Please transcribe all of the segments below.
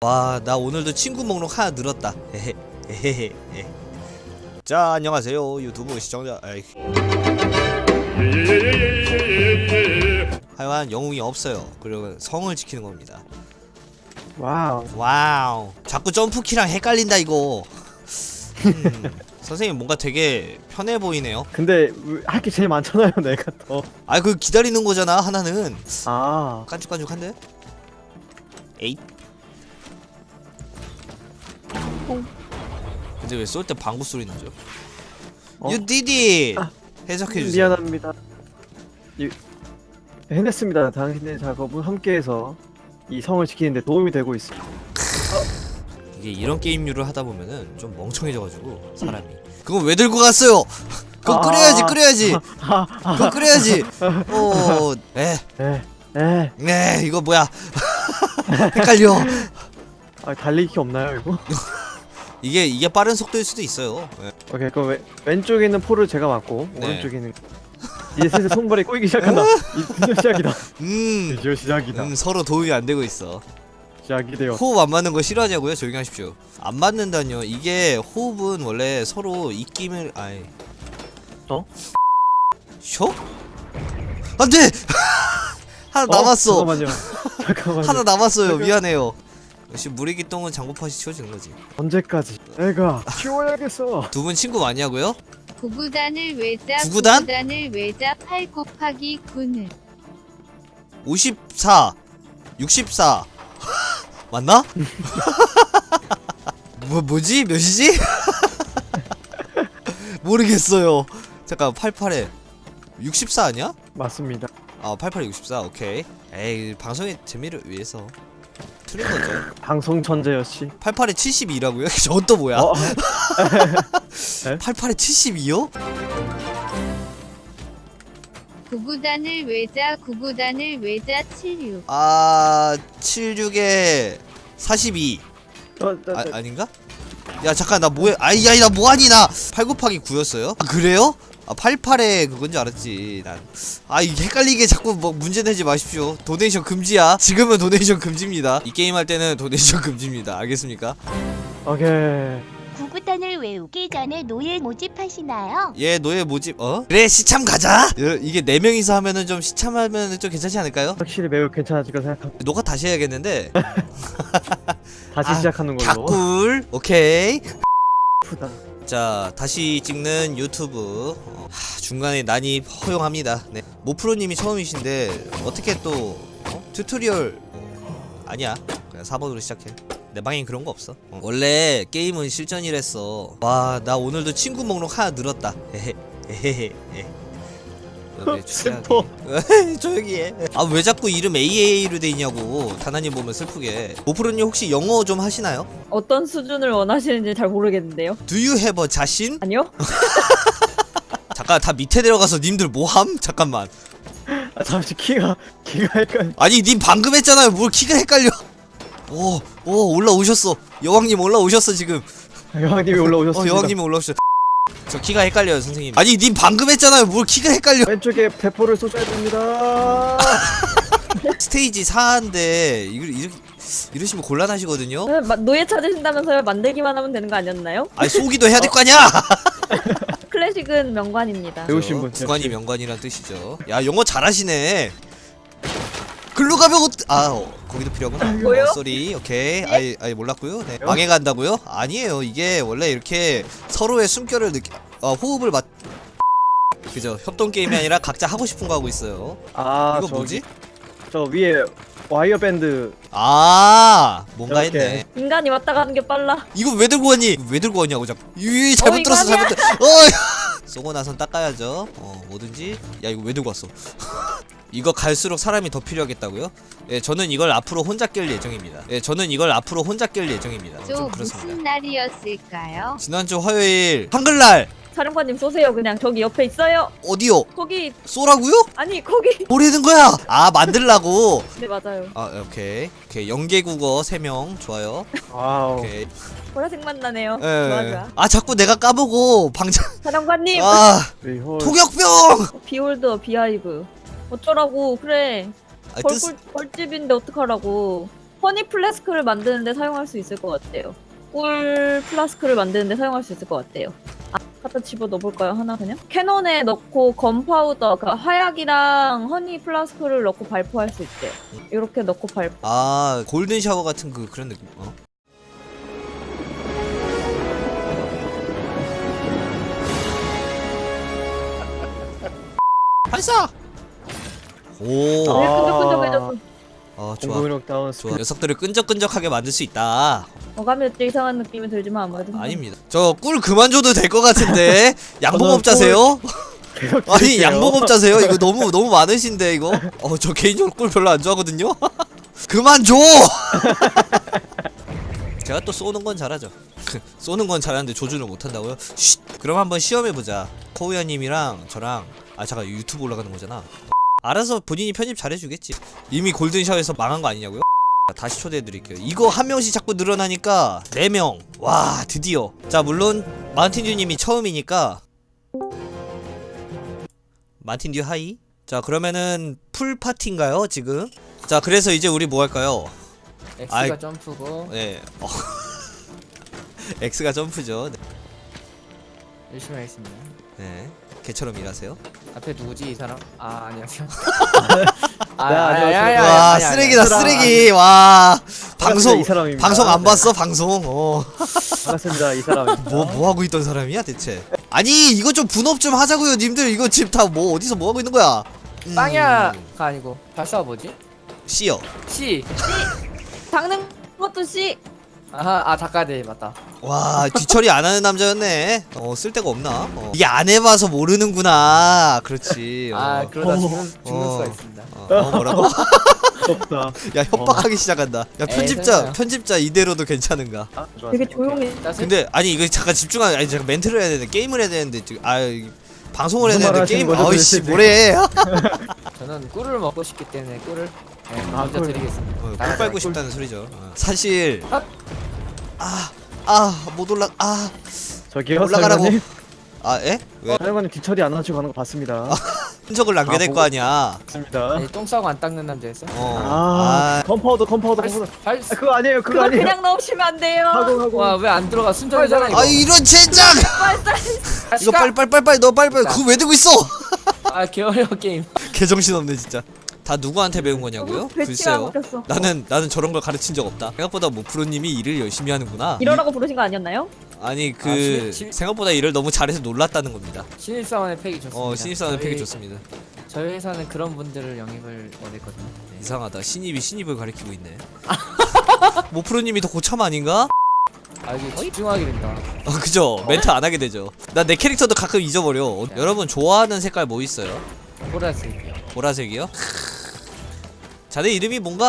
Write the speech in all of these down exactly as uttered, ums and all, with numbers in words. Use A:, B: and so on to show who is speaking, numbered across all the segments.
A: 와, 나 오늘도 친구 목록 하나 늘었다. 헤헤헤헤. 자, 안녕하세요 유튜브 시청자. 에이. 하여간 영웅이 없어요. 그리고 성을 지키는 겁니다.
B: 와우.
A: 와우. 자꾸 점프키랑 헷갈린다 이거. 음, 선생님 뭔가 되게 편해 보이네요.
B: 근데 할 게 제일 많잖아요, 내가 더.
A: 아, 그 기다리는 거잖아 하나는.
B: 아.
A: 깐죽깐죽한데? 에잇. 근데 왜 쏠 때 방구 소리 나죠?
B: 어?
A: You did it!
B: 아,
A: 해석해 주세요.
B: 미안합니다. 이, 해냈습니다. 당신의 작업은 함께해서 이 성을 지키는데 도움이 되고 있습니다.
A: 이게 이런 게임류를 하다 보면은 좀 멍청해져가지고 사람이. 그건 왜 들고 갔어요? 그건
B: 아.
A: 끓여야지, 끓여야지.
B: 아,
A: 그건 끓여야지. 어, 에,
B: 에, 에.
A: 네, 이거 뭐야? 헷갈려.
B: 아, 달리기 없나요, 이거?
A: 이게 이게 빠른 속도일 수도 있어요. 예.
B: 오케이, 그럼 왼, 왼쪽에 있는 포를 제가 맞고
A: 네.
B: 오른쪽에 있는 이제 슬슬 손발이 꼬이기 시작한다. 이 드디어 시작이다.
A: 음,
B: 드디어 시작이다.
A: 음, 서로 도움이 안 되고 있어.
B: 시작이 되어.
A: 호흡 안 맞는 거 싫어하냐고요? 조용히 하십시오. 안 맞는다뇨. 이게 호흡은 원래 서로 입김을 아이.
B: 어?
A: 쇼? 안 돼! 하나 남았어.
B: 잠깐만요. 잠깐만요.
A: 하나 남았어요.
B: 잠깐-
A: 미안해요. 역시 무리기똥은 장고팟이 치워지는 거지.
B: 언제까지? 내가 키워야겠어.
A: 두 분 친구 많냐고요?
C: 구구단을 외자
A: 구구단?
C: 구구단을 외자 팔 곱하기 구는
A: 오십사, 육십사. 맞나? 뭐 뭐지? 몇이지? 모르겠어요. 잠깐 팔십팔에 육십사 아니야?
B: 맞습니다.
A: 아, 팔십팔에 육십사. 오케이. 에이, 방송의 재미를 위해서 틀린 거죠.
B: 방송 천재였시.
A: 팔십팔에 칠십이라고요? 저건 또 뭐야?
B: 어?
A: 팔십팔에 칠십이요?
C: 구구단을 외자 구구단을 외자 칠육
A: 아, 칠십육에 사십이.
B: 어, 저,
A: 아,
B: 저,
A: 아닌가? 야, 잠깐 나 뭐해? 아이, 야, 나 뭐하니 나? 팔 곱하기 구였어요? 아, 그래요? 아, 팔십팔에 그건 줄 알았지. 난. 아, 이게 헷갈리게 자꾸 뭐 문제 내지 마십시오. 도네이션 금지야. 지금은 도네이션 금지입니다. 이 게임 할 때는 도네이션 금지입니다. 알겠습니까?
B: 오케이.
D: 구구단을 외우기 전에 노예 모집하시나요?
A: 얘 노예 모집. 어? 그래, 시참 가자. 여- 이게 네 명이서 하면은 좀 시참하면은 좀 괜찮지 않을까요?
B: 확실히 매우 괜찮아질 거 생각합니다.
A: 녹화 다시 해야겠는데.
B: 다시
A: 아,
B: 시작하는 걸로.
A: 갸꿀. 오케이.
B: 푸다.
A: 자, 다시 찍는 유튜브. 어, 하, 중간에 난이 허용합니다. 네. 모프로님이 처음이신데 어떻게 또 어? 튜토리얼 어, 아니야. 그냥 사 번으로 시작해. 내 방엔 그런 거 없어. 어. 원래 게임은 실전이랬어. 와, 나 오늘도 친구 목록 하나 늘었다. 헤헤 헤헤헤.
B: 슬퍼.
A: 조용히 해. 아, 왜 자꾸 이름 에이에이로 돼 있냐고. 다나님 보면 슬프게. 모프로님 혹시 영어 좀 하시나요?
E: 어떤 수준을 원하시는지 잘 모르겠는데요.
A: Do you have a 자신?
E: 아니요?
A: 잠깐, 다 밑에 내려가서 님들 뭐함? 잠깐만.
B: 아, 잠시 키가 키가 헷갈려.
A: 아니, 님 방금 했잖아요. 뭘 키가 헷갈려. 오, 오, 올라오셨어. 여왕님 올라오셨어 지금.
B: 여왕님이 올라오셨습니다.
A: 어, 여왕님이 올라오셨어. 저 키가 헷갈려요, 선생님. 아니, 님 방금 했잖아요. 뭘 키가 헷갈려.
B: 왼쪽에 대포를 쏘셔야 됩니다.
A: 스테이지 사인데 이거 이렇게 이러시면 곤란하시거든요.
E: 네, 마- 노예 찾으신다면서요? 만들기만 하면 되는 거 아니었나요?
A: 아니, 쏘기도 해야 될 거 아니야.
E: 클래식은 명관입니다.
B: 배우신 분.
A: 구관이 명관이란 뜻이죠. 야, 영어 잘하시네. 글로 가면 어... 아, 어, 거기도 필요하구나.
E: 뭐요?
A: 어, 쏘리. 오케이. 아이, 아이 몰랐고요. 네. 망해간다고요? 아니에요. 이게 원래 이렇게 서로의 숨결을 느끼 어, 호흡을 맞 그죠. 협동 게임이 아니라 각자 하고 싶은 거 하고 있어요.
B: 아,
A: 이거
B: 저기,
A: 뭐지?
B: 저 위에 와이어 밴드.
A: 아, 뭔가
B: 이렇게.
A: 했네.
E: 인간이 왔다 가는 게 빨라.
A: 이거 왜 들고 왔니? 왜 들고 왔냐고 자꾸. 이 잘못
E: 어, 이거
A: 들었어.
E: 아니야.
A: 잘못 들었어. 어. 쏘고 나선 닦아야죠. 어, 뭐든지. 야, 이거 왜 들고 왔어? 이거 갈수록 사람이 더 필요하겠다고요? 예, 저는 이걸 앞으로 혼자 깰 예정입니다. 예, 저는 이걸 앞으로 혼자 깰 예정입니다.
C: 저
A: 좀
C: 무슨
A: 그렇습니다.
C: 날이었을까요?
A: 지난주 화요일 한글날
E: 사령관님 쏘세요. 그냥 저기 옆에 있어요.
A: 어디요?
E: 거기
A: 쏘라고요?
E: 아니 거기.
A: 뭐라는 거야? 아, 만들라고.
E: 네 맞아요.
A: 아, 오케이. 오케이. 영계국어 세 명 좋아요.
B: 와우.
A: 오케이.
E: 보라색만 나네요.
A: 예.
E: 좋아 좋아.
A: 아, 자꾸 내가 까보고 방장.
E: 사령관님.
A: 아,
B: 리홀.
A: 토격병.
E: 비홀더 비하이브. 어쩌라고 그래.
A: 아, 뜻.
E: 벌꿀 벌집인데 어떡하라고. 허니 플래스크를 만드는데 사용할 수 있을 것 같아요. 꿀 플라스크를 만드는데 사용할 수 있을 것 같아요. 아, 갖다 집어 넣어볼까요? 하나 그냥? 캐논에 넣고 건파우더, 그러니까 화약이랑 허니 플라스크를 넣고 발포할 수 있대요. 이렇게 넣고 발포.
A: 아 골든 샤워 같은 그 그런 느낌. 어? 발사. 오.
E: 네,
B: 아.
E: 끈적끈적해졌어.
A: 어 좋아.
B: 공격력 다운
A: 좋아.
B: 스킬.
A: 녀석들을 끈적끈적하게 만들 수 있다.
E: 어감이 좀 이상한 느낌이 들지만 아무래도.
A: 아닙니다. 저 꿀 그만 줘도 될 것 같은데 양봉업자세요?
B: 계속
A: 아니
B: 드릴게요.
A: 양봉업자세요? 이거 너무 너무 많으신데 이거? 어 저 개인적으로 꿀 별로 안 좋아하거든요. 그만 줘. 제가 또 쏘는 건 잘하죠. 쏘는 건 잘하는데 조준을 못 한다고요? 쉿. 그럼 한번 시험해 보자. 코우야님이랑 저랑 아 잠깐 유튜브 올라가는 거잖아. 알아서 본인이 편집 잘해주겠지. 이미 골든샤워에서 망한 거 아니냐고요? 다시 초대해드릴게요. 이거 한 명씩 자꾸 늘어나니까 네 명. 와 드디어. 자 물론 마틴듀님이 처음이니까 마틴듀 하이. 자 그러면은 풀 파티인가요 지금? 자 그래서 이제 우리 뭐 할까요?
F: X가
A: 아이.
F: 점프고
A: 네. 어. X가 점프죠. 네.
F: 열심히 하겠습니다.
A: 네. 개처럼 일하세요.
F: 앞에 누구지 이 사람? 아 안녕하세요.
B: 네, 안녕하세요.
A: 와 쓰레기다 쓰레기. 와 방송
B: 이 사람입니다.
A: 방송 안
B: 네.
A: 봤어 방송. 어.
B: 반갑습니다. 이 사람.
A: 뭐 뭐 하고 있던 사람이야 대체? 아니 이거 좀 분업 좀 하자고요 님들. 이거 지금 다 뭐 어디서 뭐 하고 있는 거야? 음,
F: 빵야가 아니고 발사가 뭐지?
A: 씨요.
F: C.
E: 닦는 것도 씨.
F: 아하 아 닭가대 맞다.
A: 와 뒤처리 안 하는 남자였네. 어 쓸데가 없나? 어. 이게 안 해봐서 모르는구나. 그렇지. 어.
F: 아 그러다
B: 어.
F: 죽는 죽는
A: 어.
F: 수가 있습니다.
A: 어, 어 뭐라고?
B: 없다.
A: 야 협박하기 시작한다. 야 편집자
F: 설마요.
A: 편집자 이대로도 괜찮은가?
B: 아, 좋았어요.
E: 되게 조용해.
F: 따스?
A: 근데 아니 이거 잠깐 집중하. 아니 잠깐 멘트를 해야 되는데 게임을 해야 되는데 지금 아 이거 방송을 해야
B: 무슨
A: 되는데
B: 말
A: 게임
B: 하시는 거죠,
A: 아이씨
B: 도대체?
A: 뭐래?
F: 저는 꿀을 먹고 싶기 때문에 꿀을 네,
B: 아,
F: 먼저
B: 꿀.
F: 드리겠습니다.
A: 어, 꿀
F: 나가자,
A: 빨고
F: 꿀.
A: 싶다는 소리죠. 어. 사실
F: 아.
A: 아 아 못 올라 아
B: 저기요.
A: 올라가라고.
B: 사령관님.
A: 아 에? 왜?
B: 사령관님 뒤처리 안 하시고 가는 거 봤습니다.
A: 흔적을 남겨낼
B: 아,
A: 거 아니야.
B: 봤습니다.
F: 아니, 똥 싸고 안 닦는 남자였어?
A: 어.
B: 아,
A: 아,
B: 컴파우더 컴파우더
F: 발,
B: 컴파우더.
F: 발,
B: 아, 그거 아니에요. 그거
E: 그걸
B: 아니에요.
E: 그냥 넣으시면 안 돼요.
B: 하고 하고.
F: 와 왜 안 들어가 순정이잖아 이거.
A: 아 이런 젠장! 이거 빨리 빨리 빨리 빨리 너 빨리 빨리 그거 왜 들고 있어?
F: 아 개어려워 게임.
A: 개정신 없네 진짜. 다 누구한테 배운 거냐고요?
E: 배치가
A: 글쎄요.
E: 바뀌었어.
A: 나는 나는 저런 걸 가르친 적 없다. 생각보다 모프로님이 일을 열심히 하는구나.
E: 이러라고 부르신 거 아니었나요?
A: 아니 그
F: 아, 신- 신-
A: 생각보다 일을 너무 잘해서 놀랐다는 겁니다.
F: 신입사원의 팩이 좋습니다.
A: 어 신입사원
F: 저희-
A: 팩이 좋습니다.
F: 저희 회사는 그런 분들을 영입을 원했거든요. 네.
A: 이상하다. 신입이 신입을 가리키고 있네. 모프로님이 더 고참 아닌가?
F: 아 이게 집중하게 된다.
A: 어 그죠. 멘트 안 하게 되죠. 나 내 캐릭터도 가끔 잊어버려. 어, 여러분 좋아하는 색깔 뭐 있어요?
F: 보라색이요.
A: 보라색이요? 자네 이름이 뭔가?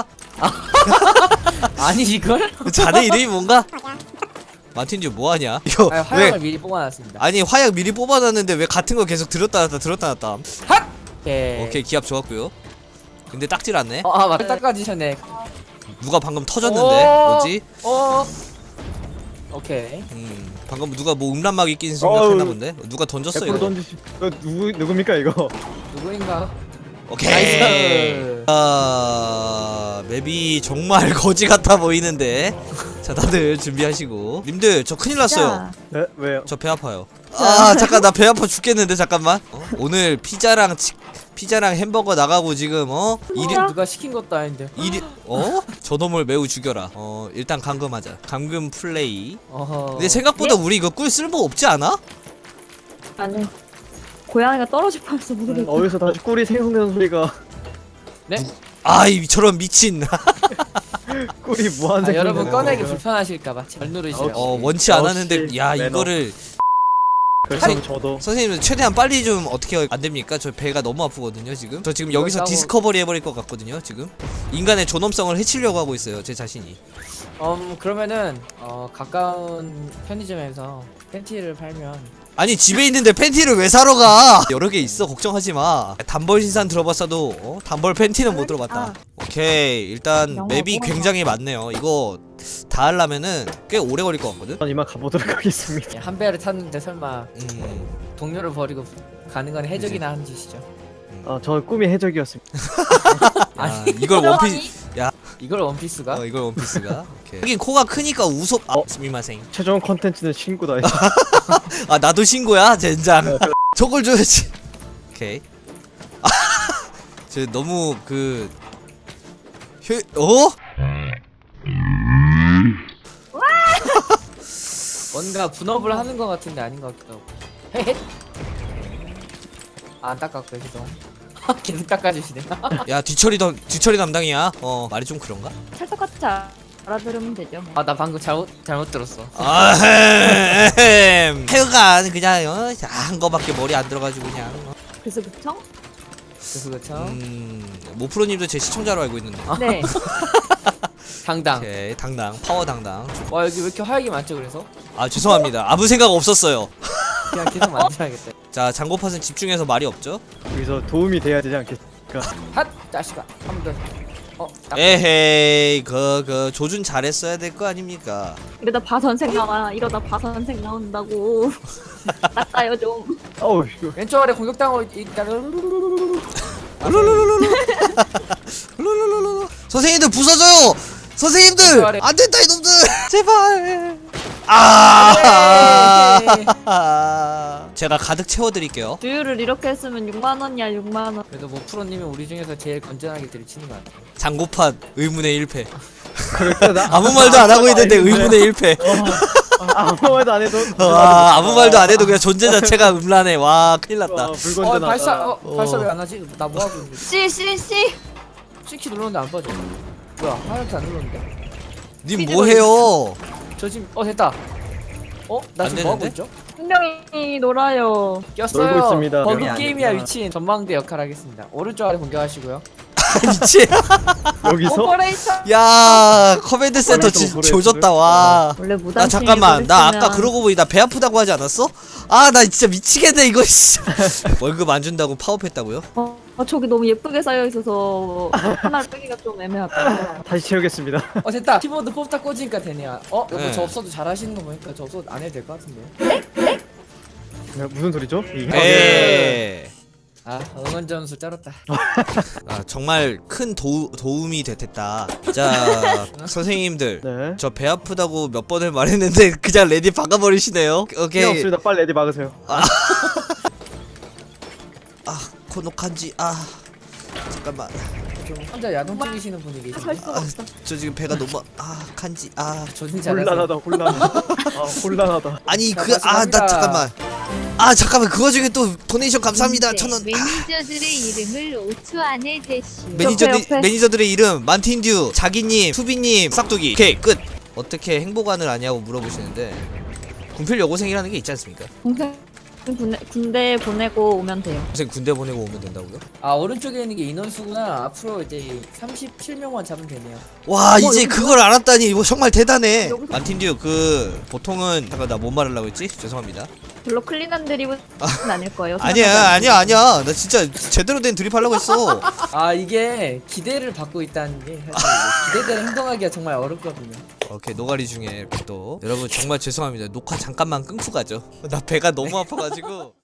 F: 아니 이걸?
A: 자네 이름이 뭔가? 마틴주 뭐하냐? 이거
F: 아니,
A: 왜?
F: 화약을 미리 뽑아놨습니다.
A: 아니 화약 미리 뽑아놨는데 왜 같은 거 계속 들었다 놨다 들었다 놨다?
F: 오케이.
A: 오케이 기합 좋았고요. 근데 딱질 않네.
F: 어, 아 맞다 닦아주셨네.
A: 누가 방금 터졌는데?
F: 오.
A: 뭐지?
F: 어. 오케이.
A: 음 방금 누가 뭐 음란막이 낀 생각했나 본데? 누가 던졌어
B: 백프로
A: 이거?
B: 던지시. 이거 누구 누굽니까 이거?
F: 누구인가?
A: 오케이.
F: 나이스.
A: 아 맵이 정말 거지 같아 보이는데. 자 다들 준비하시고. 님들 저 큰일 났어요.
B: 네? 왜요?
A: 저 배 아파요. 아 잠깐 나 배 아파 죽겠는데 잠깐만. 어? 오늘 피자랑 치, 피자랑 햄버거 나가고 지금 어 일이
F: 누가 시킨 것도 아닌데.
A: 일이 어 저놈을 매우 죽여라. 어 일단 감금하자. 감금 플레이.
F: 어허.
A: 근데 생각보다 우리 이거 꿀 쓸모 없지 않아?
E: 아니. 고양이가 떨어질 뻔했어 모르겠어.
B: 음, 어디서 다시 꿀이 생성되는 소리가.
F: 네?
A: 아이 저런 미친.
B: 꿀이 무한
F: 아,
B: 생성.
F: 여러분 꺼내기 불편하실까봐 잘 누르시죠.
A: 어 원치 않았는데
B: 역시
A: 야
B: 매너.
A: 이거를
B: 그래서
A: 아니,
B: 저도.
A: 선생님 최대한 빨리 좀 어떻게 안 됩니까? 저 배가 너무 아프거든요 지금. 저 지금 여기서
F: 싸고-
A: 디스커버리 해버릴 것 같거든요 지금. 인간의 존엄성을 해치려고 하고 있어요 제 자신이.
F: 음 그러면은 어 가까운 편의점에서 팬티를 팔면
A: 아니 집에 있는데 팬티를 왜 사러 가? 여러 개 있어 걱정하지 마. 단벌 신산 들어봤어도 어? 단벌 팬티는 못 들어봤다.
E: 아.
A: 오케이 일단
E: 영어
A: 맵이
E: 뭐야?
A: 굉장히 많네요. 이거 다 하려면은 꽤 오래 걸릴 것 같거든.
B: 전 이만 가보도록 하겠습니다.
F: 한 배를 탔는데 설마
A: 음,
F: 동료를 버리고 가는 건 해적이나 하는 짓이죠.
B: 아, 저 꿈이 해적이었습니다.
A: 야, 이걸 원피스
F: 이걸 원피스가?
A: 어 이걸 원피스가. 오케이. 하긴 코가 크니까 우속. 아,
B: 어?
A: 스미마생.
B: 최종 컨텐츠는 친구다.
A: 아 나도 신고야 젠장. 저걸 줘야지. 오케이. 아, 저 너무 그 효... 어?
F: 뭔가 분업을 하는 것 같은데 아닌 것 같기도 하고. 헤헷. 아, 안 닦았고요, 죄송. 계속 닦아주시네.
A: 야 뒤처리 더 뒤처리 담당이야. 어 말이 좀 그런가?
E: 찰떡같이 알아들으면 되죠. 뭐.
F: 아, 나 방금 잘못 잘못 들었어.
A: 아, 하여간 그냥 어, 한 거밖에 머리 안 들어가지고 그냥. 어.
E: 그래서 그쵸?
F: 그래서 그쵸?
A: 음, 모프로님도 제 시청자로 알고 있는데.
E: 네.
F: 당당.
A: 오케이, 당당, 파워 당당.
F: 와, 여기 왜 이렇게 화약이 많죠, 그래서?
A: 아 죄송합니다. 아무 생각 없었어요.
F: 그냥 계속 만들어야겠다.
A: 자 장고팟은 집중해서 말이 없죠?
B: 여기서 도움이 돼야 되지 않겠습니까?
F: 핫! 자식아. 한 번 더. 어, 딱.
A: 에헤이, 그, 그 조준 잘했어야 될 거 아닙니까?
E: 이러다 바선생 나와. 이러다 바선생 나온다고. 닦아요 좀.
B: 어우 이거
F: 왼쪽 아래 공격당하고 있다는.
A: 룰루루루루. 선생님들 부서져요. 선생님들
F: 제발해.
A: 안 된다 이놈들. 제발. 아. 제가 가득 채워드릴게요.
E: 두유를 이렇게 했으면 육만 원이야 육만 원.
F: 그래도 뭐 프로님이 우리 중에서 제일 건전하게 들이치는 것 같아.
A: 장고팟 의문의 일 패.
B: 그럴까 나
A: 아무 말도 안 하고 있는데 의문의 일 패.
B: 아무 말도 안 해도
A: 와 아무 말도 안 해도 그냥 존재 자체가 음란해. 와 큰일
B: 와,
A: 났다.
F: 어,
B: 불건전하다.
F: 발사, 어,
A: 어.
F: 발사 왜 안 하지? 나 뭐 하고 있는데?
E: 씨 씨 씨.
F: C키 눌렀는데 안 빠져. 뭐야, 하얗게 안 눌렀는데?
A: 님 뭐해요?
F: 저 지금, 어, 됐다. 어? 나
A: 안
F: 지금 뭐 하고
A: 되는데?
F: 있죠?
E: 분명히 놀아요.
F: 꼈어요.
B: 놀고 있습니다.
F: 버그
B: 명이
F: 게임이야
B: 아니구나.
F: 위친. 전망대 역할 하겠습니다. 오른쪽 아래 공격하시고요.
A: 미치.
B: 여기서
E: 오퍼레이션.
A: 야 커맨드 센터 지,
B: 오퍼레이터를
A: 조졌다 와.
E: 원래 무단
A: 아 잠깐만 나
E: 침입을
A: 아까
E: 했으면
A: 그러고 보니 나 배 아프다고 하지 않았어? 아 나 진짜 미치겠네 이거 씨. 월급 안 준다고 파업했다고요?
E: 어, 어, 저기 너무 예쁘게 쌓여 있어서 하나를 빼기가 좀 애매하다.
B: 다시 채우겠습니다.
F: 어, 됐다. 키보드 뽑다 꽂으니까 되네요. 어? 여보
A: 네.
F: 저 없어도 잘하시는 거 보니까 저 없어도 안 해도 될 것 같은데요?
B: 야, 무슨 소리죠? 이게?
A: 에이.
F: 아, 응원 점수 쩔었다.
A: 아 정말 큰 도, 도움이 됐다. 자 선생님들
B: 네.
A: 저 배 아프다고 몇 번을 말했는데 그냥 레디 박아버리시네요.
B: 필요
A: 오케이.
B: 없습니다. 빨리 레디 막으세요.
A: 아 코노칸지 아 잠깐만
F: 좀 혼자 야동 찍으시는 분이 계신데.
E: 살 수가 없다.
A: 저 지금 배가 너무 아 칸지 아
F: 저 진짜 잘하세요.
B: 혼란하다 혼란하다. 아 혼란하다.
A: 아니
F: 자,
A: 그 아 나
F: 마지막입니다.
A: 잠깐만 아 잠깐만 그거 중에 또 도네이션 감사합니다
C: 문제,
A: 천원.
C: 매니저들의 이름을 오 초 안에 제시오.
A: 매니저들
E: 옆에, 옆에.
A: 매니저들의 이름 만틴듀 자기님 투비님 싹두기 오케이 끝. 어떻게 행보관을 아냐고 물어보시는데 군필 여고생이라는 게 있지 않습니까?
E: 동생 군대, 군대 보내고 오면 돼요.
A: 선생 군대 보내고 오면 된다고요?
F: 아, 오른쪽에 있는 게 인원수구나. 앞으로 이제 삼십칠 명만 잡으면 되네요.
A: 와
E: 어,
A: 이제
E: 여기
A: 그걸 알았다니 이거 정말 대단해.
E: 여기서-
A: 만틴듀 그 보통은 잠깐 나 뭔 말하려고 했지? 죄송합니다.
E: 별로 클린한 드립은 아닐 거예요.
A: 아니야 아니야 아니야 나 진짜 제대로 된 드립 하려고 했어.
F: 아, 이게 기대를 받고 있다는 게 사실 이제 기대대로 행동하기가 정말 어렵거든요.
A: 오케이 노가리 중에 이렇게 또 여러분 정말 죄송합니다. 녹화 잠깐만 끊고 가죠. 나 배가 너무 아파가지고.